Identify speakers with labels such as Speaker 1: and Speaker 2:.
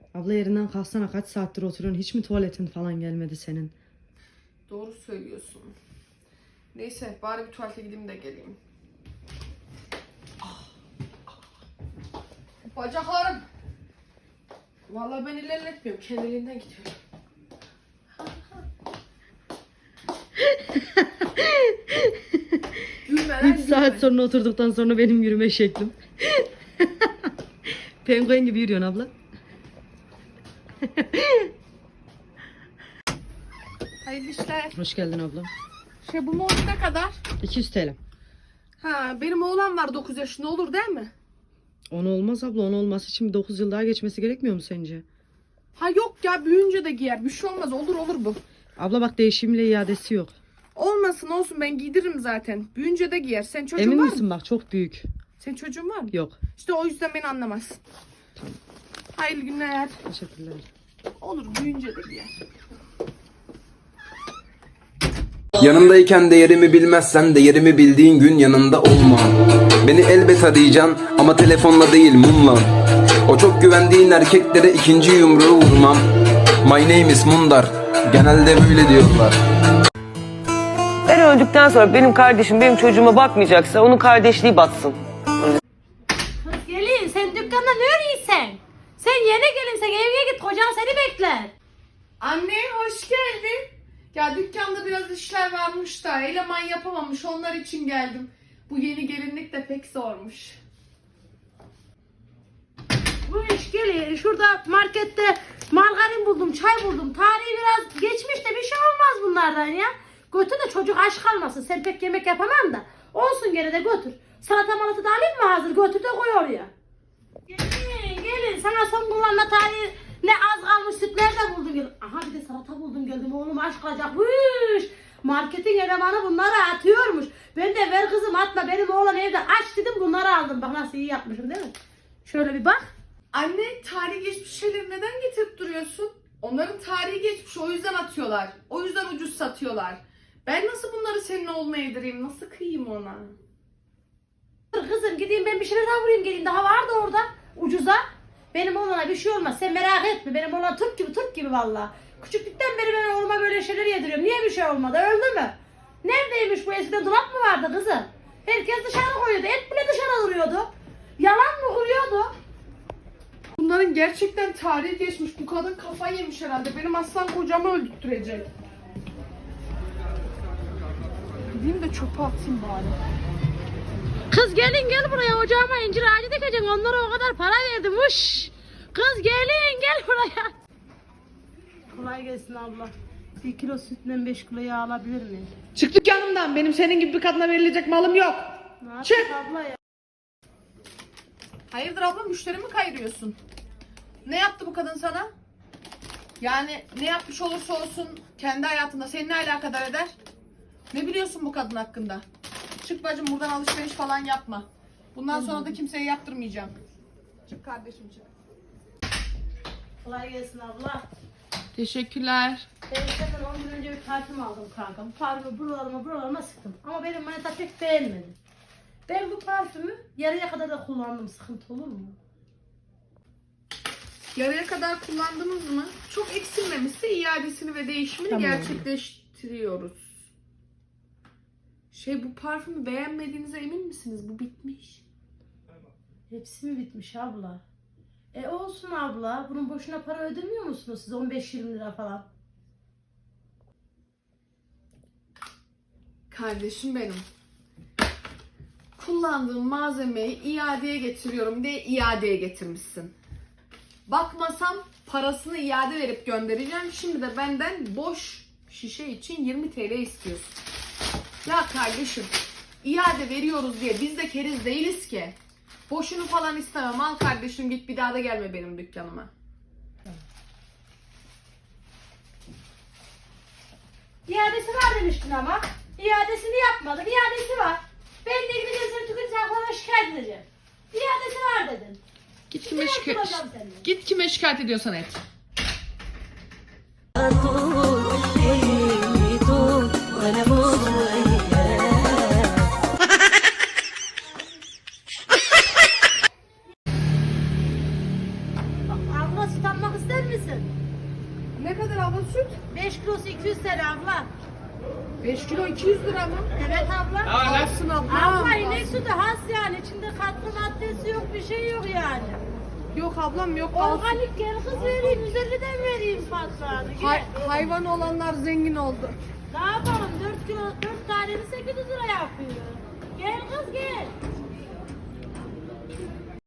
Speaker 1: Abla yerinden kalksana, kaç saattir oturuyorsun, hiç mi tuvaletin falan gelmedi senin?
Speaker 2: Doğru söylüyorsun. Neyse bari bir tuvalete gideyim de geleyim. Bacaklarım. Vallahi ben ilerletmiyorum. Kendiliğinden gidiyorum. Gülme
Speaker 1: 3 saat sonra oturduktan sonra benim yürüme şeklim. Penguen gibi yürüyorsun abla.
Speaker 2: Hayırlı işler.
Speaker 1: Hoş geldin abla.
Speaker 2: Bu mont ne kadar?
Speaker 1: 200 TL.
Speaker 2: Ha, benim oğlan var 9 yaşında, olur değil mi?
Speaker 1: 10 olmaz abla, 10 olması için bir 9 yıl daha geçmesi gerekmiyor mu sence?
Speaker 2: Ha yok ya, büyüyünce de giyer. Bir şey olmaz, olur bu.
Speaker 1: Abla bak, değişimle iadesi yok.
Speaker 2: Olmasın olsun, ben giydiririm zaten. Büyüyünce de giyer. Sen çocuğun
Speaker 1: Emin
Speaker 2: var mı?
Speaker 1: misin, bak çok büyük.
Speaker 2: Senin çocuğun var mı?
Speaker 1: Yok.
Speaker 2: İşte o yüzden beni anlamaz. Hayırlı günler.
Speaker 1: Teşekkürler.
Speaker 2: Olur, büyüyünce de giyer.
Speaker 3: Yanımdayken değerimi bilmezsen değerimi bildiğin gün yanında olma. Beni elbet arayacaksın ama telefonla değil mumla. O çok güvendiğin erkeklere ikinci yumruğu vurmam. My name is Mundar. Genelde böyle diyorlar.
Speaker 4: Ben öldükten sonra benim kardeşim benim çocuğuma bakmayacaksa onun kardeşliği batsın.
Speaker 5: Kız gelin, sen dükkanda ne arıyorsun? Sen yeni gelinsen evine git, kocan seni bekler.
Speaker 2: Anne hoş geldin. Ya dükkanda biraz işler varmış da eleman yapamamış, onlar için geldim. Bu yeni gelinlik de pek zormuş.
Speaker 5: Bu iş gelin, şurada markette margarin buldum, çay buldum. Tarihi biraz geçmiş de bir şey olmaz bunlardan ya. Götür de çocuk aç kalmasın. Sen pek yemek yapamam da. Olsun, gene de götür. Salata malata da alayım mı hazır? Götür de koy oraya. Gelin. Sana son kullanma tarihi ne az kalmış sütler de buldum geldim. Aha bir de salata buldum geldim. Oğlum aç kalacak. Hüş. Marketin elemanı bunları atıyormuş. Ben de ver kızım atma, benim oğlan evde aç dedim, bunları aldım. Bak nasıl iyi yapmışım değil mi? Şöyle bir bak.
Speaker 2: Anne, tarihi geçmiş şeyleri neden getirip duruyorsun? Onların tarihi geçmiş, o yüzden atıyorlar. O yüzden ucuz satıyorlar. Ben nasıl bunları senin oğluna yedireyim? Nasıl kıyayım ona?
Speaker 5: Dur kızım, gideyim ben bir şeyler daha vurayım geleyim. Daha vardı orada ucuza. Benim oğlana bir şey olmaz, sen merak etme. Benim oğlan Türk gibi valla. Küçüklükten beri ben oğluma böyle şeyler yediriyorum. Niye bir şey olmadı, öldü mü? Neredeymiş bu, eskiden dolap mı vardı kızım? Herkes dışarı koyuyordu, et bile dışarı duruyordu. Yalan mı kuruyordu?
Speaker 2: Bunların gerçekten tarihi geçmiş. Bu kadın kafayı yemiş herhalde. Benim aslan kocamı öldürtecek. Gideyim de çöpe atayım bari.
Speaker 5: Kız gelin gel buraya, ocağıma incir ağacı dikeceksin, onlara o kadar para verdim. Uş. Kız gelin gel buraya. Kolay gelsin abla. 1 kilo sütle 5 kilo yağ alabilir miyim?
Speaker 2: Çık dükkanımdan. Benim senin gibi bir kadına verilecek malım yok.
Speaker 5: Ne
Speaker 2: Çık.
Speaker 5: yapayım abla ya?
Speaker 2: Hayırdır abla, müşteri mi kayırıyorsun? Ne yaptı bu kadın sana? Yani ne yapmış olursa olsun kendi hayatında seni ne alakadar eder? Ne biliyorsun bu kadın hakkında? Çık bacım, buradan alışveriş falan yapma. Bundan sonra da kimseye yaptırmayacağım. Çık kardeşim, çık.
Speaker 5: Kolay gelsin abla.
Speaker 2: Teşekkürler.
Speaker 5: Ben senden 10 gün önce bir parfüm aldım kanka. Bu parfümü buralarıma sıktım. Ama benim manita pek beğenmedi. Ben bu parfümü yarıya kadar da kullandım. Sıkıntı olur mu?
Speaker 2: Yarıya kadar kullandınız mı? Çok eksilmemişse iadesini ve değişimini
Speaker 1: Tamam.
Speaker 2: gerçekleştiriyoruz. Bu parfümü beğenmediğinize emin misiniz? Bu bitmiş.
Speaker 5: Hepsi mi bitmiş abla? Olsun abla. Bunun boşuna para ödemiyor musunuz siz? 15-20 lira falan.
Speaker 2: Kardeşim benim. Kullandığım malzemeyi iadeye getiriyorum diye iadeye getirmişsin. Bakmasam parasını iade verip göndereceğim. Şimdi de benden boş şişe için 20 TL istiyorsun. Ya kardeşim, iade veriyoruz diye biz de keriz değiliz ki. Boşunu falan istemem. Al kardeşim, git, bir daha da gelme benim dükkanıma.
Speaker 5: İadesi var demiştin ama. İadesini yapmadım. İadesi var. Ben de gideceğim seni tüketici haklarına şikayet edeceğim. İadesi var dedin.
Speaker 2: Git
Speaker 5: Şikayet
Speaker 2: kime şikayet ediyorsan et.
Speaker 5: Abla süt almak ister misin?
Speaker 2: Ne kadar abla süt?
Speaker 5: 5 kilosu 200 TL abla.
Speaker 2: 5 kilo 200 lira mı?
Speaker 5: Evet abla.
Speaker 2: Alsın abla.
Speaker 5: Abla inek sütü has yani. İçinde katkı maddesi yok, bir şey yok yani.
Speaker 2: Yok ablam yok. Alsın.
Speaker 5: Organik gel kız vereyim, 150'den vereyim fazla.
Speaker 2: Hayvan olanlar zengin oldu.
Speaker 5: Ne yapalım? 4 kilo, 4 tanesi 800 lira yapıyor. Gel kız gel.